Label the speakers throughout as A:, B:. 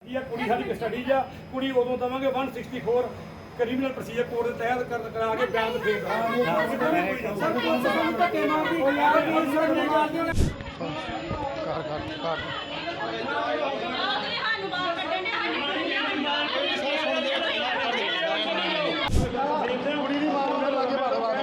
A: ਇਹ ਕੁੜੀ ਸਾਡੀ ਕਸਟਡੀ 'ਚ ਆ। ਕੁੜੀ ਉਦੋਂ ਦੇਵਾਂਗੇ 164 ਕ੍ਰਿਮੀਨਲ ਪ੍ਰੋਸੀਜਰ ਕੋਡ ਦੇ ਤਹਿਤ ਕਰਾ ਕੇ ਬਿਆਨ ਫੇਰ ਕਰਾਂਗੇ। ਕੁੜੀ ਦੀ ਮਾਂ ਨੂੰ ਲਾਗੇ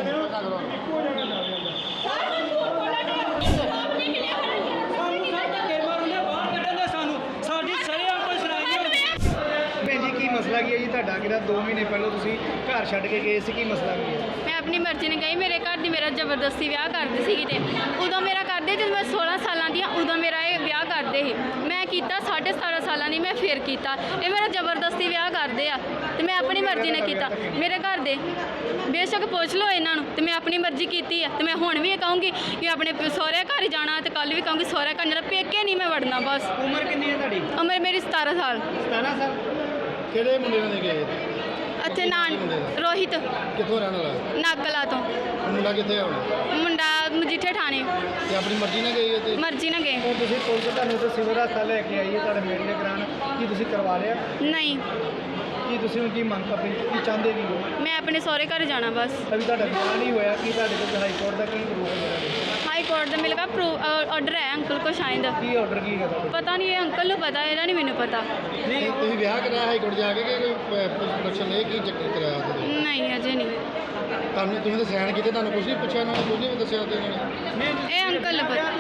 B: ਮਸਲਾ ਕੀ ਹੈ ਜੀ ਤੁਹਾਡਾ ਕਿਹੜਾ 2 ਮਹੀਨੇ ਪਹਿਲਾਂ ਤੁਸੀਂ ਘਰ ਛੱਡ ਕੇ ਗਏ ਸੀ, ਕੀ ਮਸਲਾ ਕੀ ਹੈ?
C: ਮੈਂ ਆਪਣੀ ਮਰਜ਼ੀ ਨਾਲ ਗਈ। ਮੇਰੇ ਘਰ ਦੀ ਮੇਰਾ ਜ਼ਬਰਦਸਤੀ ਵਿਆਹ ਕਰਦੇ ਸੀਗੇ ਤੇ ਉਦੋਂ ਮੇਰਾ ਕਰਦੇ ਜਦੋਂ ਮੈਂ 16 ਸਾਲਾਂ ਦੀ ਉਦੋਂ ਮੇਰਾ ਇਹ ਵਿਆਹ ਕਰਦੇ ਸੀ। ਮੈਂ ਕੀਤਾ 17.5 ਸਾਲਾਂ ਦੀ, ਮੈਂ ਫਿਰ ਕੀਤਾ। ਇਹ ਮੇਰਾ ਜ਼ਬਰਦਸਤੀ ਵਿਆਹ ਕਰਦੇ ਆ ਤੇ ਮੈਂ ਆਪਣੀ ਮਰਜ਼ੀ ਨਾਲ ਕੀਤਾ। ਮੇਰੇ ਘਰ ਦੇ ਬੇਸ਼ੱਕ ਪੁੱਛ ਲਓ ਇਹਨਾਂ ਨੂੰ, ਤੇ ਮੈਂ ਆਪਣੀ ਮਰਜ਼ੀ ਕੀਤੀ ਆ। ਤੇ ਮੈਂ ਹੁਣ ਵੀ ਇਹ ਕਹੂੰਗੀ ਕਿ ਆਪਣੇ ਸਹੁਰੇ ਘਰ ਜਾਣਾ, ਤੇ ਕੱਲ ਵੀ ਕਹੂੰਗੀ ਸਹੁਰੇ ਘਰ ਜਾਣਾ, ਪੇਕੇ ਨਹੀਂ ਮੈਂ ਵੜਨਾ। ਬਸ
B: ਉਮਰ ਕਿੰਨੀ ਹੈ ਤੁਹਾਡੀ?
C: ਉਮਰ ਮੇਰੀ 17 ਸਾਲ।
B: 17 ਸਾਲ।
A: ਕਿਹੜੇ ਮੁੰਡੇ ਨਾਲ ਗਏ?
C: ਅੱਛਾ ਰੋਹਿਤ।
A: ਕਿੱਥੋਂ ਰਹਿਣ ਵਾਲਾ?
C: ਨਾਗਲਾ ਤੋਂ।
A: ਮੁੰਡਾ ਕਿੱਥੇ ਆ ਹੁਣ?
C: ਮੁੰਡਾ ਮਜੀਠੇ ਥਾਣੇ।
A: ਤੇ ਆਪਣੀ ਮਰਜ਼ੀ ਨਾਲ ਗਏ ਤੇ?
C: ਮਰਜ਼ੀ ਨਾਲ ਗਏ।
B: ਹੁਣ ਤੁਸੀਂ ਪੁਲਿਸ ਤੁਹਾਨੂੰ ਤੇ ਸਿਵਲ ਹਸਪਤਾਲ ਲੈ ਕੇ ਆਈ ਹੈ ਤੁਹਾਡੇ ਮੈਡੀਕਲ ਕਰਾਉਣ, ਕੀ ਤੁਸੀਂ ਕਰਵਾ ਲਿਆ?
C: ਨਹੀਂ।
B: ਕੀ ਤੁਸੀਂ ਹੁਣ ਕੀ ਮੰਗ ਕਰਦੇ ਕੀ ਚਾਹੁੰਦੇ ਕੀ ਹੋ?
C: ਮੈਂ ਆਪਣੇ ਸਹੁਰੇ ਘਰ ਜਾਣਾ ਬਸ।
B: ਅਭੀ ਤੁਹਾਡਾ ਵਿਆਹ ਨਹੀਂ ਹੋਇਆ, ਕੀ ਤੁਹਾਡੇ ਕੋਲ ਹਾਈ ਕੋਰਟ ਦਾ ਕੀ ਪ੍ਰੂਫ ਹੈ?
C: ਹਾਈ ਕੋਰਟ ਦਾ ਮੇਰੇ ਕੋਲ ਆਰਡਰ ਹੈ ਅੰਕਲ ਕੋ ਸ਼ਾਇਦ।
B: ਕੀ ਆਰਡਰ ਕੀ ਹੈ ਤੁਹਾਡਾ?
C: ਪਤਾ ਨਹੀਂ, ਇਹ ਅੰਕਲ ਨੂੰ ਪਤਾ, ਇਹਦਾ ਨਹੀਂ ਮੈਨੂੰ ਪਤਾ।
A: ਨਹੀਂ ਤੁਸੀਂ ਵਿਆਹ ਕਰਾਇਆ ਹਾਈ ਕੋਰਟ ਜਾ ਕੇ ਕਿ ਕੋਈ ਪ੍ਰੋਡਕਸ਼ਨ ਇਹ ਕੀ ਚੱਕਰ ਕਰਾਇਆ ਤੁਸੀਂ?
C: ਨਹੀਂ ਅਜੇ ਨਹੀਂ।
A: ਤੁਹਾਨੂੰ ਤੁਸੀਂ ਤਾਂ ਸਾਈਨ ਕੀਤੇ, ਤੁਹਾਨੂੰ ਕੁਝ ਨਹੀਂ ਪੁੱਛਿਆ ਇਹਨਾਂ ਨੇ, ਕੁਝ ਨਹੀਂ ਦੱਸਿਆ ਤੇ ਇਹਨਾਂ ਨੇ?
C: ਇਹ ਅੰਕਲ ਨੂੰ ਪਤਾ।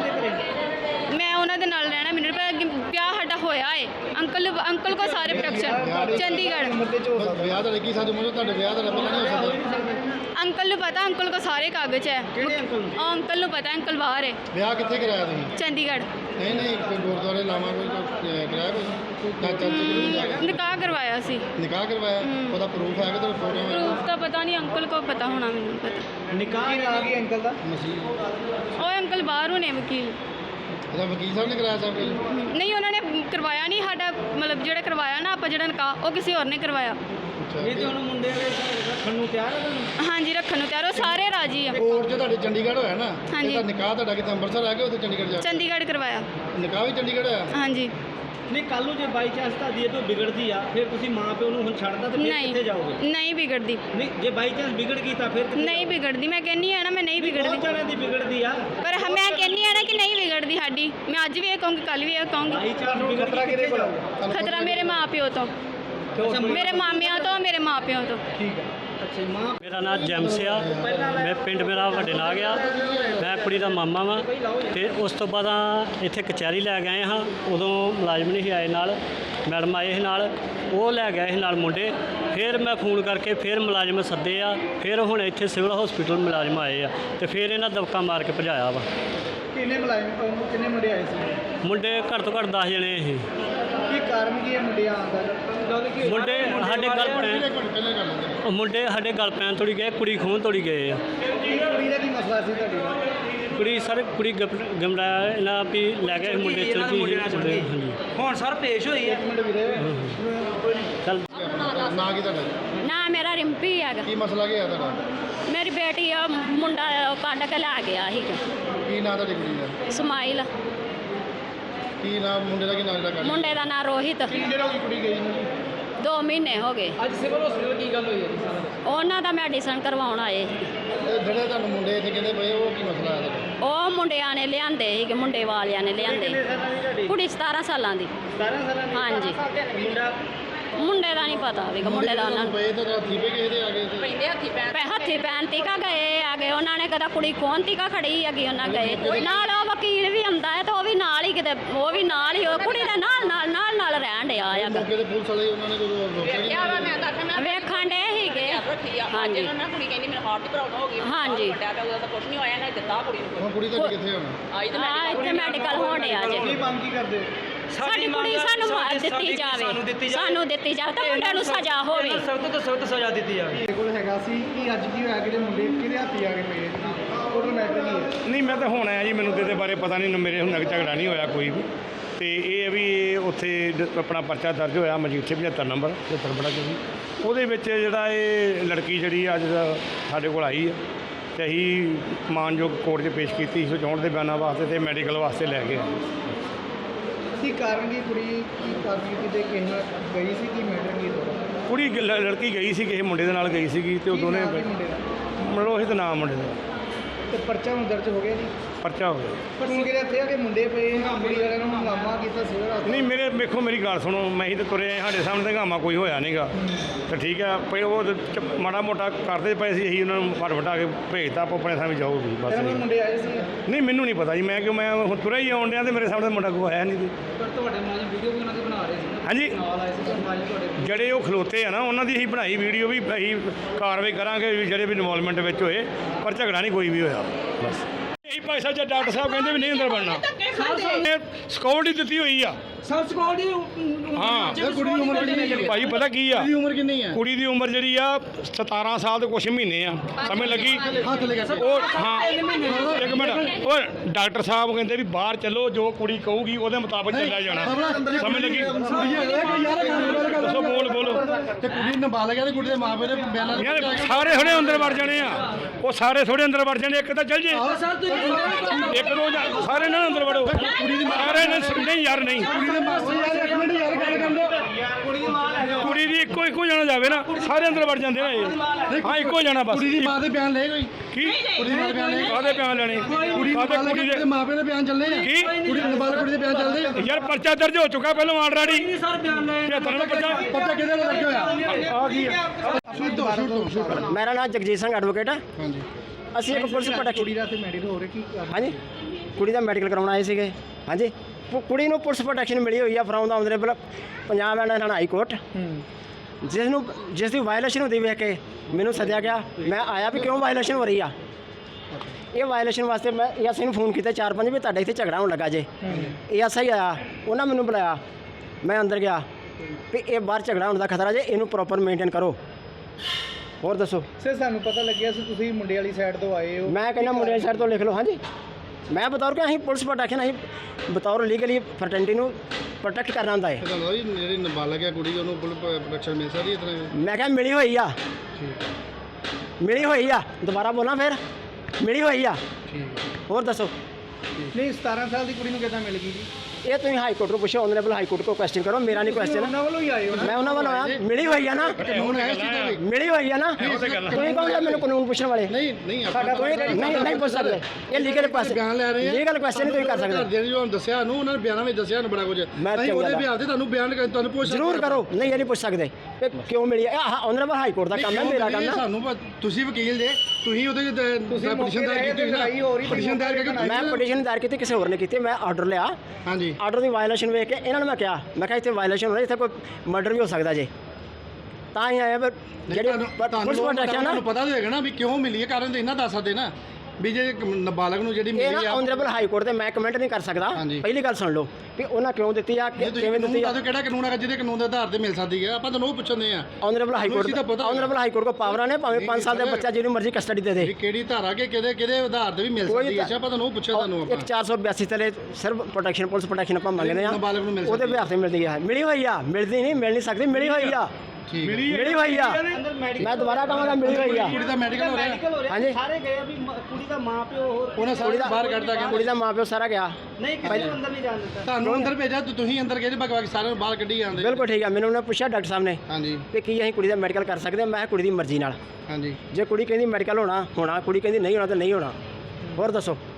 C: ਮੈਂ ਉਹਨਾਂ ਦੇ ਨਾਲ ਰਹਿਣਾ, ਮੈਨੂੰ ਪਤਾ ਵਿਆਹ ਸਾਡਾ ਹੋਇਆ ਏ। ਅੰਕਲ ਕੋ ਸਾਰੇ ਪ੍ਰੋਡਕਸ਼ਨ ਚੰਡੀਗੜ੍ਹ।
A: ਵਿਆਹ ਦਾ ਲੱਗੀ ਸਾਡੇ ਮੂੰਹ ਤੁਹਾਡੇ ਵਿਆਹ ਦਾ ਪਹਿਲਾਂ ਨਹੀਂ ਹੋ ਸਕਦਾ।
C: ਅੰਕਲ ਨੂੰ ਪਤਾ, ਅੰਕਲ ਕੋ ਸਾਰੇ ਕਾਗਜ਼ ਹੈ।
B: ਕਿਹੜੇ ਅੰਕਲ ਨੂੰ?
C: ਅੰਕਲ ਨੂੰ ਪਤਾ, ਅੰਕਲ ਬਾਹਰ ਹੈ
A: ਵਿਆਹ ਕਿੱਥੇ ਕਰਾਇਆ ਤੁਸੀਂ?
C: ਚੰਡੀਗੜ੍ਹ।
A: ਨਹੀਂ ਕੋਈ ਗੁਰਦੁਆਰੇ ਲਾਵਾਂ ਕੋਈ ਕਰਾਇਆ ਕੋਈ ਚਰਚ?
C: ਨਿਕਾਹ ਕਰਵਾਇਆ ਸੀ।
A: ਨਿਕਾਹ ਕਰਵਾਇਆ? ਉਹਦਾ ਪ੍ਰੂਫ ਹੈ ਕਿ ਤੁਹਾਡੇ ਫੋਟੋ?
C: ਪ੍ਰੂਫ ਤਾਂ ਪਤਾ ਨਹੀਂ, ਅੰਕਲ ਕੋ ਪਤਾ ਹੋਣਾ, ਮੈਨੂੰ ਪਤਾ।
B: ਨਿਕਾਹ ਆ ਗਈ ਅੰਕਲ ਦਾ?
A: ਮਸੀਹ
C: ਉਹ ਅੰਕਲ ਬਾਹਰ ਹੋਣੇ ਵਕੀਲ।
A: ਇਹਦਾ ਵਕੀਲ ਸਾਹਿਬ ਨੇ ਕਰਾਇਆ ਸਭ ਕੁਝ?
C: ਨਹੀਂ ਉਹਨਾਂ ਨੇ ਕਰਵਾਇਆ ਨਹੀਂ ਸਾਡਾ, ਮਤਲਬ ਜਿਹੜਾ ਕਰਵਾਇਆ ਨਾ ਆਪਾਂ ਜਿਹੜਾ ਨਿਕਾਹ, ਉਹ ਕਿਸੇ ਹੋਰ ਨੇ ਕਰਵਾਇਆ।
B: ਇਹ ਤੇ ਹੁਣ ਮੁੰਡੇ ਰੱਖਣ ਨੂੰ ਤਿਆਰ ਹੈ ਤੁਹਾਨੂੰ?
C: ਹਾਂਜੀ ਰੱਖਣ ਨੂੰ ਤਿਆਰ, ਉਹ ਸਾਰੇ ਰਾਜੀ ਆ।
A: ਕੋਰਟ 'ਚ ਤੁਹਾਡੇ ਚੰਡੀਗੜ੍ਹ ਹੋਇਆ ਨਾ?
C: ਹਾਂਜੀ।
A: ਇਹਦਾ ਨਿਕਾਹ ਤੁਹਾਡਾ ਕਿਤੇ ਅੰਮ੍ਰਿਤਸਰ ਆ ਗਿਆ, ਉੱਥੇ ਚੰਡੀਗੜ੍ਹ ਜਾ ਕੇ?
C: ਚੰਡੀਗੜ੍ਹ ਕਰਵਾਇਆ।
A: ਨਿਕਾਹ ਵੀ ਚੰਡੀਗੜ੍ਹ ਹੋਇਆ?
C: ਹਾਂਜੀ।
B: ਨਹੀਂ ਕੱਲ ਨੂੰ ਜੇ ਬਾਈ ਚਾਂਸ ਤੁਹਾਡੀ ਇਹ ਤੋਂ ਵਿਗੜਦੀ ਆ, ਫਿਰ ਤੁਸੀਂ ਮਾਂ ਪਿਓ ਨੂੰ ਹੁਣ ਛੱਡਦਾ ਤੇ ਫਿਰ ਕਿੱਥੇ ਜਾਓਗੇ?
C: ਨਹੀਂ ਵਿਗੜਦੀ।
B: ਨਹੀਂ ਜੇ ਬਾਈ ਚਾਂਸ ਵਿਗੜ ਗਈ ਤਾਂ ਫਿਰ
C: ਨਹੀਂ ਵਿਗੜਦੀ, ਮੈਂ ਕਹਿੰਨੀ ਆ ਨਾ, ਮੈਂ ਨਹੀਂ ਵਿਗੜਦੀ।
B: ਬਹੁਤ ਜਣਿਆਂ ਦੀ ਵਿਗੜਦੀ ਆ,
C: ਪਰ ਮੈਂ ਕਹਿੰਨੀ ਆ ਨਾ ਕਿ ਨਹੀਂ ਵਿਗੜਦੀ ਸਾਡੀ। ਮੈਂ ਅੱਜ ਵੀ ਇਹ ਕਹੂੰਗੀ, ਕੱਲ ਵੀ ਇਹ ਕਹੂੰਗੀ।
B: ਬਾਈ ਚਾਂਸ ਵਿਗੜ ਕੇ ਕਿੱਥੇ ਜਾਓਗੇ?
C: ਖਤਰਾ ਮੇਰੇ ਮਾਪਿਓ ਤੋਂ, ਮੇਰੇ ਮਾਮਿਆਂ ਤੋਂ, ਮੇਰੇ ਮਾਪਿਆਂ ਤੋਂ।
B: ਠੀਕ ਹੈ। ਅੱਛਾ ਮਾਂ।
D: ਮੇਰਾ ਨਾਮ ਜੈਮਸ ਆ, ਮੈਂ ਪਿੰਡ ਮੇਰਾ ਵੱਡੇ ਨਾਗ ਆ। ਮੈਂ ਕੁੜੀ ਦਾ ਮਾਮਾ ਵਾਂ ਤੇ ਉਸ ਤੋਂ ਬਾਅਦ ਇੱਥੇ ਕਚਹਿਰੀ ਲੈ ਗਏ ਹਾਂ। ਉਦੋਂ ਮੁਲਾਜ਼ਮ ਨਹੀਂ ਸੀ ਆਏ ਨਾਲ, ਮੈਡਮ ਆਏ ਸੀ ਨਾਲ, ਉਹ ਲੈ ਗਏ ਸੀ ਨਾਲ ਮੁੰਡੇ। ਫਿਰ ਮੈਂ ਫੋਨ ਕਰਕੇ ਫਿਰ ਮੁਲਾਜ਼ਮ ਸੱਦੇ ਆ, ਫਿਰ ਹੁਣ ਇੱਥੇ ਸਿਵਲ ਹਸਪੀਟਲ ਮੁਲਾਜ਼ਮ ਆਏ ਆ ਤੇ ਫਿਰ ਇਹਨਾਂ ਦਬਕਾ ਮਾਰ ਕੇ ਭਜਾਇਆ ਵਾ।
B: ਕਿੰਨੇ ਮੁਲਾਜ਼ਮ ਕਿੰਨੇ ਮੁੰਡੇ ਆਏ ਸੀ?
D: ਮੁੰਡੇ ਘੱਟ ਤੋਂ ਘੱਟ 10 ਜਣੇ ਸੀ।
B: ਕੀ ਕਾਰਨ ਕੀ ਹੈ ਮੁੰਡੇ ਆਉਣ ਦਾ?
D: ਮੁੰਡੇ ਸਾਡੇ ਗੱਲ ਪੈਣ, ਮੁੰਡੇ ਸਾਡੇ ਗੱਲ ਪੈਣ ਤੋੜੀ ਗਏ, ਕੁੜੀ ਖੂਨ ਤੋੜੀ ਗਏ ਆ।
B: ਕੁੜੀ ਦਾ ਕੀ ਮਸਲਾ ਸੀ ਤੁਹਾਡੇ ਨਾਲ?
D: ਕੁੜੀ ਸਰ ਕੁੜੀ ਗਮੜਾ ਇਹਨਾਂ ਵੀ ਲੈ ਗਏ ਮੁੰਡੇ ਚਲ ਗਈ। ਹਾਂਜੀ
B: ਹੁਣ ਸਰ ਪੇਸ਼ ਹੋਈ ਹੈ। ਮਿੰਟ ਵੀਰੇ
D: ਚੱਲ।
A: ਨਾ ਕੀ ਤੁਹਾਡਾ?
C: ਨਾ ਮੇਰਾ ਰਿੰਪੀ ਹੈਗਾ।
A: ਕੀ ਮਸਲਾ ਕੀ ਹੈ ਤੁਹਾਡਾ?
C: ਮੇਰੀ ਬੇਟੀ ਆ, ਮੁੰਡਾ ਕੱਢ ਕੇ ਲੈ ਗਿਆ ਸੀ।
A: ਕੀ ਨਾਂ ਤੁਹਾਡੀ ਕੁੜੀ ਦਾ?
C: ਸਮਾਈਲ।
A: ਕੀ ਨਾਮ ਮੁੰਡੇ ਦਾ? ਕੀ ਨਾਮ ਦਾ?
C: ਮੁੰਡੇ ਦਾ ਨਾਂ ਰੋਹਿਤ।
A: ਕਿੰਨੇ ਹੋ ਗਈ ਕੁੜੀ ਗਈ ਨੂੰ?
C: 2 ਮਹੀਨੇ ਹੋ ਗਏ।
B: ਅੱਜ ਸਿਵਲ ਹਸਪੀਟਲ ਕੀ ਗੱਲ ਹੋਈ ਹੈ ਜੀ ਸਾਰਾ?
C: ਉਹਨਾਂ ਦਾ ਮੈਡੀਸਨ ਕਰਵਾਉਣ ਆਏ ਸੀ।
A: ਜਿਹੜੇ ਤੁਹਾਨੂੰ ਮੁੰਡੇ ਇੱਥੇ ਕਹਿੰਦੇ ਪਏ, ਉਹ ਕੀ ਮਸਲਾ ਹੈ ਤੁਹਾਡਾ?
C: ਉਹ ਮੁੰਡਿਆਂ ਨੇ ਲਿਆਂਦੇ ਸੀਗੇ, ਮੁੰਡੇ ਵਾਲਿਆਂ ਨੇ ਲਿਆਂਦੇ। ਕੁੜੀ 17 ਸਾਲਾਂ ਦੀ।
B: 17 ਸਾਲਾਂ ਦੀ?
C: ਹਾਂਜੀ।
B: ਮੁੰਡਾ?
C: ਮੁੰਡੇ ਦਾ ਨਹੀਂ ਪਤਾ ਵੀ ਮੁੰਡੇ ਦਾ ਉਹਨਾਂ ਨੂੰ।
A: ਪਏ ਤਾਂ ਹੱਥੀ ਪਏ ਕਿਸੇ ਦੇ ਆ ਗਏ ਤੇ?
C: ਹੱਥੀ ਪੈਣ ਤੀਕਾ ਗਏ ਆਗੇ ਉਹਨਾਂ ਨੇ, ਕਦਾ ਕੁੜੀ ਕੌਣ ਤੀਕਾ ਖੜੀ ਹੈਗੀ, ਉਹਨਾਂ ਗਏ ਨਾਲ। ਉਹ ਵਕੀਲ ਵੀ ਆਉਂਦਾ ਹੈ ਤੇ ਉਹ ਵੀ ਨਾਲ ਹੀ, ਕਿਤੇ ਉਹ ਵੀ ਨਾਲ ਹੀ, ਉਹ ਕੁੜੀ ਦੇ ਨਾਲ ਰਹਿਣ ਡਿਆ ਆ।
A: ਮੌਕੇ ਤੇ ਪੁਲਿਸ ਵਾਲੇ ਉਹਨਾਂ ਨੇ ਕੋਈ ਰੋਕਿਆ ਨਹੀਂ?
C: ਵੇਖਣ ਡੇ ਸੀਗੇ। ਹਾਂਜੀ
E: ਕੁੜੀ ਕਹਿੰਦੀ ਮੈਨੂੰ ਹਾਰਟ ਦੀ ਪ੍ਰੋਬਲਮ ਹੋ ਗਈ।
C: ਹਾਂਜੀ।
E: ਵੱਡਾ ਪਿਆ ਉਹਦਾ ਤਾਂ ਕੁਝ ਨਹੀਂ ਹੋਇਆ, ਨਾ ਦਿੱਤਾ ਕੁੜੀ ਨੂੰ।
A: ਹੁਣ ਕੁੜੀ ਤੁਹਾਡੀ ਕਿੱਥੇ ਹੋਣਾ?
E: ਆਈ ਤਾਂ
C: ਹਾਂ ਇੱਥੇ ਮੈਡੀਕਲ ਹੋਣ ਡਿਆ
B: ਕੀ
C: ਜੇ।
B: ਮੰਗ ਕੀ ਕਰਦੇ?
C: ਸਾਡੀ ਕੁੜੀ ਸਾਨੂੰ ਦਿੱਤੀ ਜਾਵੇ, ਸਾਨੂੰ ਦਿੱਤੀ ਜਾਵੇ ਤਾਂ ਮੁੰਡਿਆਂ ਨੂੰ ਸਜ਼ਾ ਹੋਵੇ।
B: ਸਖਤ ਤੋਂ ਸਖਤ ਸਜ਼ਾ ਦਿੱਤੀ ਜਾਵੇ। ਮੇਰੇ ਕੋਲ ਹੈਗਾ ਸੀ ਕਿ ਅੱਜ ਕੀ ਹੋਇਆ, ਕਿਹਦੇ ਮੁੰਡੇ ਕਿਹਦੇ ਹੱਥੀ ਆ ਕੇ ਪਏ? ਟੋਟਲ ਮੈਟਰ ਕੀ ਹੈ?
F: ਨਹੀਂ ਮੈਂ ਤਾਂ ਹੁਣ ਆਇਆ ਜੀ, ਮੈਨੂੰ ਤੇ ਇਹਦੇ ਬਾਰੇ ਪਤਾ ਨਹੀਂ, ਮੇਰੇ ਹੁਣ ਤੱਕ ਝਗੜਾ ਨਹੀਂ ਹੋਇਆ ਕੋਈ ਵੀ। ਤੇ ਇਹ ਹੈ ਵੀ ਉੱਥੇ ਆਪਣਾ ਪਰਚਾ ਦਰਜ ਹੋਇਆ ਮਜੀਠੇ 75 ਨੰਬਰ 75 ਬੜਾ ਜੀ। ਉਹਦੇ ਵਿੱਚ ਜਿਹੜਾ ਇਹ ਲੜਕੀ ਜਿਹੜੀ ਅੱਜ ਸਾਡੇ ਕੋਲ ਆਈ ਹੈ ਤੇ ਅਸੀਂ ਮਾਨਯੋਗ ਕੋਰਟ 'ਚ ਪੇਸ਼ ਕੀਤੀ ਸੀ, ਚੋਣ ਦੇ ਬਿਆਨਾਂ ਵਾਸਤੇ ਤੇ ਮੈਡੀਕਲ ਵਾਸਤੇ ਲੈ ਗਏ।
B: ਕੀ ਕਾਰਨ ਕੀ ਕੁੜੀ ਕੀ ਕਾਰਨ ਕਿਤੇ ਕਿਸੇ ਨਾਲ ਗਈ ਸੀ ਕੀ ਮੈਟਰ ਕੀ ਥੋੜਾ
F: ਕੁੜੀ ਲੜਕੀ ਗਈ ਸੀ ਕਿਸੇ ਮੁੰਡੇ ਦੇ ਨਾਲ ਗਈ ਸੀਗੀ ਤੇ ਉਹ ਦੋਨੇ
B: ਮੁੰਡੇ ਦਾ
F: ਮਤਲਬ ਉਹੀ ਤਾਂ ਨਾਮ ਮੁੰਡੇ ਦਾ
B: ਤੇ ਪਰਚਾ ਹੁਣ ਦਰਜ ਹੋ ਗਿਆ ਜੀ
F: ਪਰਚਾ ਹੋ ਗਿਆ।
B: ਪਰ ਹੁਣ ਕਿਹੜੇ ਇੱਥੇ ਆ ਕਿ ਮੁੰਡੇ ਪਏ ਕੁੜੀ ਵਾਲਿਆਂ ਨੂੰ ਹੰਗਾਮਾ ਕੀਤਾ ਸਿਵਲ ਹਸਪਤਾਲ
F: ਨਹੀਂ ਮੇਰੇ ਵੇਖੋ ਮੇਰੀ ਗੱਲ ਸੁਣੋ, ਮੈਂ ਹੀ ਤਾਂ ਤੁਰੇ ਆਏ, ਸਾਡੇ ਸਾਹਮਣੇ ਤਾਂ ਹੰਗਾਮਾ ਕੋਈ ਹੋਇਆ ਨਹੀਂਗਾ ਤੇ ਠੀਕ ਆ ਪਈ ਉਹ ਤਾਂ ਮਾੜਾ ਮੋਟਾ ਕਰਦੇ ਪਏ ਸੀ, ਅਸੀਂ ਉਹਨਾਂ ਨੂੰ ਫੜ ਫਟਾ ਕੇ ਭੇਜਤਾ ਆਪੋ ਆਪਣੇ ਥਾਂ ਵੀ ਜਾਓ ਵੀ ਬਸ।
B: ਇਹਨਾਂ ਮੁੰਡੇ ਆਏ ਸੀ
F: ਨਹੀਂ ਮੈਨੂੰ ਨਹੀਂ ਪਤਾ ਜੀ, ਮੈਂ ਹੁਣ ਤੁਰੇ ਹੀ ਆਉਣ ਡਿਆ ਤੇ ਮੇਰੇ ਸਾਹਮਣੇ ਮੁੰਡਾ ਕੋਈ ਆਇਆ ਨਹੀਂ ਜੀ।
B: ਪਰ ਤੁਹਾਡੇ ਨਾਲ ਵੀਡੀਓ ਵੀ ਉਹਨਾਂ ਦੇ ਬਣਾ ਰਹੇ ਸੀ
F: ਹਾਂਜੀ
B: ਨਾਲ ਆਏ ਸੀ ਸਮਾਜ ਤੁਹਾਡੇ
F: ਜਿਹੜੇ ਉਹ ਖਲੋਤੇ ਆ ਨਾ ਉਹਨਾਂ ਦੀ ਅਸੀਂ ਬਣਾਈ ਵੀਡੀਓ ਵੀ ਅਸੀਂ ਕਾਰਵਾਈ ਕਰਾਂਗੇ ਵੀ ਜਿਹੜੇ ਵੀ ਇਨਵੋਲਵਮੈਂਟ ਵਿੱਚ ਹੋਏ, ਪਰ ਝਗੜਾ ਨਹੀਂ ਕੋਈ ਵੀ ਹੋਇਆ ਬਸ। ਇਹੀ ਪੈਸਾ ਜੇ ਡਾਕਟਰ ਸਾਹਿਬ ਕਹਿੰਦੇ ਵੀ ਨਹੀਂ ਅੰਦਰ ਵੜਨਾ, ਸਿਕਿਉਰਿਟੀ ਦਿੱਤੀ ਹੋਈ ਆ
B: ਸਰ ਸਕਿਉਰਟੀ
F: ਹਾਂ।
B: ਕੁੜੀ ਦੀ ਉਮਰ ਕਿੰਨੀ ਹੈ
F: ਭਾਈ ਪਤਾ ਕੀ ਆ,
B: ਕੁੜੀ ਦੀ ਉਮਰ ਕਿੰਨੀ ਹੈ
F: ਕੁੜੀ ਦੀ ਉਮਰ ਜਿਹੜੀ ਆ 17 ਸਾਲ ਤੇ ਕੁਛ ਮਹੀਨੇ ਆ, ਸਮਝ ਲੱਗੀ
B: ਹੱਥ ਲੈ ਗਿਆ
F: ਉਹ ਹਾਂ ਇੱਕ ਮਿੰਟ ਉਹ ਡਾਕਟਰ ਸਾਹਿਬ ਕਹਿੰਦੇ ਵੀ ਬਾਹਰ ਚੱਲੋ, ਜੋ ਕੁੜੀ ਕਹੂਗੀ ਉਹਦੇ ਮੁਤਾਬਕ ਚੱਲਿਆ ਜਾਣਾ, ਸਮਝ ਲੱਗੀ। ਦੱਸੋ ਬੋਲੋ
B: ਤੇ ਕੁੜੀ ਨਾਬਾਲਗ ਹੈ ਤੇ ਕੁੜੀ ਦੇ ਮਾਪੇ ਦੇ ਬਿਆਨਾਂ
F: ਯਾਰ ਸਾਰੇ ਥੋੜੇ ਅੰਦਰ ਵੜ ਜਾਣੇ ਆ, ਉਹ ਸਾਰੇ ਥੋੜੇ ਅੰਦਰ ਵੜ ਜਾਣੇ, ਇੱਕ ਤਾਂ ਚੱਲ ਜੇ ਇੱਕ ਦੋ ਸਾਰੇ ਨਾ ਅੰਦਰ ਵੜੋ, ਸਾਰੇ ਨਹੀਂ ਯਾਰ ਨਹੀਂ ਕੁੜੀ ਦੀ ਇੱਕੋ ਜਾਣਾ ਜਾਵੇ ਨਾ, ਸਾਰੇ ਅੰਦਰ ਵੜ ਜਾਂਦੇ ਨਾ ਇਹ, ਹਾਂ ਇੱਕੋ ਜਾਣਾ ਬਸ।
B: ਕੁੜੀ ਦੀ ਮਾਂ ਦੇ ਬਿਆਨ ਲਏ ਕੋਈ
F: ਕੀ
B: ਕੁੜੀ ਦੀ ਮਾਂ ਦੇ ਬਿਆਨ ਲਏ
F: ਕਾਹਦੇ ਪਿਆਨ ਲੈਣੇ,
B: ਕੁੜੀ ਦੇ ਮਾਪੇ ਦੇ ਬਿਆਨ ਚੱਲਦੇ ਆ
F: ਕੀ
B: ਕੁੜੀ ਨਾਬਾਲਗ ਕੁੜੀ ਦੇ ਬਿਆਨ ਚੱਲਦੇ ਆ
F: ਯਾਰ ਪਰਚਾ ਦਰਜ ਹੋ ਚੁੱਕਾ ਪਹਿਲਾਂ ਆਲਰੇਡੀ ਸਰ ਬਿਆਨ ਲੈ 75 ਨੂੰ
B: ਪਤਾ ਕਿਹਦੇ ਨਾਲ ਲੱਗਿਆ ਹੋਇਆ
F: ਆ ਗਈ ਆ।
G: ਮੇਰਾ ਨਾਮ ਜਗਜੀਤ ਸਿੰਘ ਐਡਵੋਕੇਟ ਹੈ।
B: ਹਾਂਜੀ
G: ਅਸੀਂ ਇੱਕ ਪੁਲਿਸ
B: ਕੁੜੀ
G: ਪ੍ਰੋਟੈਕਸ਼ਨ
B: ਦਾ ਤੇ ਮੈਰਿਜ ਹੋ ਰਹੀ ਕੀ
G: ਹਾਂਜੀ ਕੁੜੀ ਦਾ ਮੈਡੀਕਲ ਕਰਾਉਣ ਆਏ ਸੀਗੇ। ਹਾਂਜੀ ਕੁੜੀ ਨੂੰ ਪੁਲਿਸ ਪ੍ਰੋਟੈਕਸ਼ਨ ਮਿਲੀ ਹੋਈ ਆ from the honourable Punjab and Haryana high court, ਜਿਸ ਦੀ ਵਾਇਲੇਸ਼ਨ ਹੁੰਦੀ ਵੇਖ ਕੇ ਮੈਨੂੰ ਸੱਦਿਆ ਗਿਆ। ਮੈਂ ਆਇਆ ਵੀ ਕਿਉਂ ਵਾਇਲੇਸ਼ਨ ਹੋ ਰਹੀ ਆ, ਇਹ ਵਾਇਲੇਸ਼ਨ ਵਾਸਤੇ ਮੈਂ ਏਐਸਆਈ ਨੂੰ ਫੋਨ ਕੀਤਾ 4-5 ਵੀ ਤੁਹਾਡੇ ਇੱਥੇ ਝਗੜਾ ਹੋਣ ਲੱਗਾ ਜੇ। ਏਐਸਆਈ ਆਇਆ, ਉਹਨਾਂ ਮੈਨੂੰ ਬੁਲਾਇਆ, ਮੈਂ ਅੰਦਰ ਗਿਆ ਵੀ ਇਹ ਬਾਹਰ ਝਗੜਾ ਹੋਣ ਦਾ ਖਤਰਾ ਜੇ, ਇਹਨੂੰ ਪ੍ਰੋਪਰ ਮੇਨਟੇਨ ਕਰੋ। ਹੋਰ ਦੱਸੋ।
B: ਸਰ ਸਾਨੂੰ ਪਤਾ ਲੱਗਿਆ ਸੀ ਤੁਸੀਂ ਮੁੰਡੇ ਵਾਲੀ ਸਾਈਡ ਤੋਂ ਆਏ ਹੋ।
G: ਮੈਂ ਕਹਿੰਦਾ ਮੁੰਡੇ ਸਾਈਡ ਤੋਂ ਲਿਖ ਲਓ। ਹਾਂਜੀ ਮੈਂ ਬਤੌਰ ਕਿ ਅਸੀਂ ਪੁਲਿਸ ਪ੍ਰੋਟੈਕਸ਼ਨ, ਅਸੀਂ ਬਤੌਰ ਲੀਗਲੀ ਫਰਟੈਂਟੀ ਨੂੰ ਪ੍ਰੋਟੈਕਟ ਕਰਨਾ ਹੁੰਦਾ ਹੈ।
H: ਤੁਹਾਨੂੰ ਜੀ ਜਿਹੜੀ ਨਾਬਾਲਗ ਹੈ ਕੁੜੀ ਉਹਨੂੰ ਪੁਲਿਸ ਪ੍ਰੋਟੈਕਸ਼ਨ ਮਿਲ ਸਕਦੀ ਇਸ ਤਰ੍ਹਾਂ?
G: ਮੈਂ ਕਿਹਾ ਮਿਲੀ ਹੋਈ ਆ, ਮਿਲੀ ਹੋਈ ਆ, ਦੁਬਾਰਾ ਬੋਲਾਂ ਫਿਰ ਮਿਲੀ ਹੋਈ ਆ। ਹੋਰ ਦੱਸੋ।
B: ਨਹੀਂ 17 ਸਾਲ ਦੀ ਕੁੜੀ ਨੂੰ ਕਿੱਦਾਂ ਮਿਲ ਗਈ ਜੀ?
G: ਇਹ ਤੁਸੀਂ ਹਾਈ ਕੋਰਟ ਨੂੰ ਪੁੱਛੋ, ਆਨਰੇਬਲ ਹਾਈ ਕੋਰਟ ਕੋ ਕੁਐਸਚਨ ਕਰੋ, ਮੇਰਾ ਨਹੀਂ ਕੁਐਸਚਨ।
B: ਉਹਨਾਂ ਵੱਲੋਂ ਹੀ ਆਏ ਹੋ ਨਾ?
G: ਮੈਂ ਉਹਨਾਂ ਵੱਲੋਂ ਆਇਆ, ਮਿਲੀ ਹੋਈ ਆ ਨਾ,
H: ਕਾਨੂੰਨ ਹੈ ਇਸ ਚੀਜ਼ ਦਾ ਵੀ?
G: ਮਿਲੀ ਹੋਈ ਆ ਨਾ। ਤੁਸੀਂ ਕਹੋਗੇ ਮੈਨੂੰ ਕਾਨੂੰਨ ਪੁੱਛਣ ਵਾਲੇ?
H: ਨਹੀਂ ਨਹੀਂ
G: ਨਹੀਂ ਪੁੱਛ ਸਕਦੇ, ਇਹ ਲੀਗਲ ਕੁਐਸਚਨ,
H: ਬਿਆਨ ਲੈ ਰਹੇ ਆ,
G: ਲੀਗਲ ਕੁਐਸਚਨ ਨਹੀਂ ਤੁਸੀਂ ਕਰ ਸਕਦੇ।
H: ਘਰਦਿਆਂ ਨੇ ਜੋ ਦੱਸਿਆ ਨੂੰ ਉਹਨਾਂ ਨੇ ਬਿਆਨਾਂ ਵਿੱਚ ਦੱਸਿਆ ਨੂੰ ਬੜਾ ਕੁਝ, ਅਸੀਂ ਉਹਦੇ ਬਿਆਨ ਤੇ ਤੁਹਾਨੂੰ ਬਿਆਨ ਤੁਹਾਨੂੰ ਪੁੱਛ
G: ਜ਼ਰੂਰ ਕਰੋ। ਨਹੀਂ ਇਹ ਨਹੀਂ ਪੁੱਛ ਸਕਦੇ ਕਿ ਕਿਉਂ ਮਿਲੀ ਆ। ਇਹ ਆਨਰੇਬਲ ਹਾਈ ਕੋਰਟ ਦਾ ਕੰਮ ਹੈ, ਮੇਰਾ ਕੰਮ ਹੈ।
H: ਸਾਨੂੰ ਤੁਸੀਂ ਵਕੀਲ ਜੇ, ਤੁਸੀਂ ਉਹਦੇ ਪਟੀਸ਼ਨ ਦਾਇਰ ਕੀਤੀ ਨਾ, ਪਟੀਸ਼ਨ ਦਾਇਰ ਕਰਕੇ
G: ਮੈਂ ਪਟੀਸ਼ਨ ਦਾਇਰ ਕੀਤੀ, ਕਿਸੇ ਹੋਰ ਨੇ ਕੀਤੀ, ਮੈਂ ਆਰਡਰ ਲਿਆ।
H: ਹਾਂਜੀ
G: ਆਰਡਰ ਦੀ ਵਾਇਲੇਸ਼ਨ ਵੇਖ ਕੇ ਇਹਨਾਂ ਨੂੰ ਮੈਂ ਕਿਹਾ ਇੱਥੇ ਵਾਇਲੇਸ਼ਨ ਹੋ ਰਹੀ, ਇੱਥੇ ਕੋਈ ਮਰਡਰ ਵੀ ਹੋ ਸਕਦਾ ਜੇ, ਤਾਂ ਹੀ ਆਇਆ। ਪਰ ਜਿਹੜੀ ਪੁਲਿਸ ਪ੍ਰੋਟੈਕਸ਼ਨ
H: ਤੁਹਾਨੂੰ ਪਤਾ ਤਾਂ ਹੋਏਗਾ ਨਾ ਵੀ ਕਿਉਂ ਮਿਲੀ ਹੈ, ਕਾਰਨ ਤਾਂ ਇਹਨਾਂ ਦੱਸ ਸਕਦੇ ਨਾ ਵੀ ਜੇ ਨਾਬਾਲਗ ਨੂੰ ਜਿਹੜੀ
G: ਇਹ
H: ਮਿਲੀ
G: ਨਾ
H: ਆ।
G: ਆਨਰੇਬਲ ਹਾਈ ਕੋਰਟ ਤੇ ਮੈਂ ਕਮੈਂਟ ਨਹੀਂ ਕਰ ਸਕਦਾ। ਪਹਿਲੀ ਗੱਲ ਸੁਣ ਲਓ ਵੀ ਉਹਨਾਂ ਕਿਉਂ ਦਿੱਤੀ ਆ, ਕਿਵੇਂ ਦਿੱਤੀ ਆ।
H: ਕਿਹੜਾ ਕਾਨੂੰਨ ਹੈਗਾ ਜਿਹਦੇ ਕਾਨੂੰਨ ਦੇ ਆਧਾਰ ਤੇ ਮਿਲ ਸਕਦੀ ਹੈ? ਆਪਾਂ ਤੁਹਾਨੂੰ ਉਹ ਪੁੱਛਦੇ ਆ।
G: Honourable high court, honourable high court ਕੋ ਪਾਵਰਾਂ ਨੇ, ਭਾਵੇਂ 5 ਸਾਲ ਦਾ ਬੱਚਾ ਜਿਹਨੂੰ ਮਰਜ਼ੀ ਕਸਟਡੀ ਦੇ ਦੇ।
H: ਵੀ ਕਿਹੜੀ ਧਾਰਾ ਕੇ ਕਿਹਦੇ ਆਧਾਰ ਤੇ ਵੀ ਮਿਲ ਸਕਦੀ ਹੈ? ਆਪਾਂ ਤੁਹਾਨੂੰ ਉਹ ਪੁੱਛਿਆ ਤੁਹਾਨੂੰ
G: ਇੱਕ 482 ਤਲੇ ਸਿਰਫ ਪ੍ਰੋਟੈਕਸ਼ਨ, ਪੁਲਿਸ ਪ੍ਰੋਟੈਕਸ਼ਨ ਆਪਾਂ ਮੰਗਦੇ ਆ,
H: ਨਾਬਾਲਗ ਨੂੰ ਮਿਲ
G: ਉਹਦੇ ਬਿਹਾਰ ਤੇ ਮਿਲਦੀ ਹੈ। ਮਿਲੀ ਹੋਈ ਆ, ਮਿਲਦੀ ਨਹੀਂ, ਮਿਲ ਨਹੀਂ ਸਕਦੀ, ਮਿਲੀ ਹੋਈ ਆ, ਮਿਲੀ ਹੋਈ ਆ। ਮੈਂ ਦੁਬਾਰਾ ਕਹਾਂਗਾ ਮਿਲੀ ਹੋਈ ਆ।
H: ਕੁੜੀ ਦਾ ਮੈਡੀਕਲ ਹੋ ਰਿਹਾ?
G: ਹਾਂਜੀ
B: ਸਾਰੇ ਗਏ ਵੀ ਕੁੜੀ ਦਾ ਮਾਂ ਪਿਓ ਹੋਰ
H: ਉਹਨਾਂ ਸਾਰੇ ਬਾਹਰ ਕੱਢਦਾ ਗਿਆ।
G: ਕੁੜੀ ਦਾ ਮਾਪਿਓ ਸਾਰਾ ਗਿਆ।
B: ਨਹੀਂ ਕਿਸੇ ਨੂੰ ਅੰਦਰ ਨਹੀਂ ਜਾਣ ਦਿੱਤਾ।
H: ਤੁਹਾਨੂੰ ਅੰਦਰ ਭੇਜਿਆ ਤੁਸੀਂ ਅੰਦਰ ਗਏ ਬਾਕੀ ਸਾਰਿਆਂ ਨੂੰ ਬਾਹਰ ਕੱਢੀ ਜਾਂਦੇ?
G: ਬਿਲਕੁਲ ਠੀਕ ਆ। ਮੈਨੂੰ ਉਹਨੇ ਪੁੱਛਿਆ ਡਾਕਟਰ ਸਾਹਿਬ ਨੇ
H: ਹਾਂਜੀ
G: ਕਿ ਕੀ ਅਸੀਂ ਕੁੜੀ ਦਾ ਮੈਡੀਕਲ ਕਰ ਸਕਦੇ ਹਾਂ। ਮੈਂ ਕਿਹਾ ਕੁੜੀ ਦੀ ਮਰਜ਼ੀ ਨਾਲ,
H: ਹਾਂਜੀ
G: ਜੇ ਕੁੜੀ ਕਹਿੰਦੀ ਮੈਡੀਕਲ ਹੋਣਾ, ਕੁੜੀ ਕਹਿੰਦੀ ਨਹੀਂ ਹੋਣਾ ਤਾਂ ਨਹੀਂ ਹੋਣਾ। ਹੋਰ ਦੱਸੋ।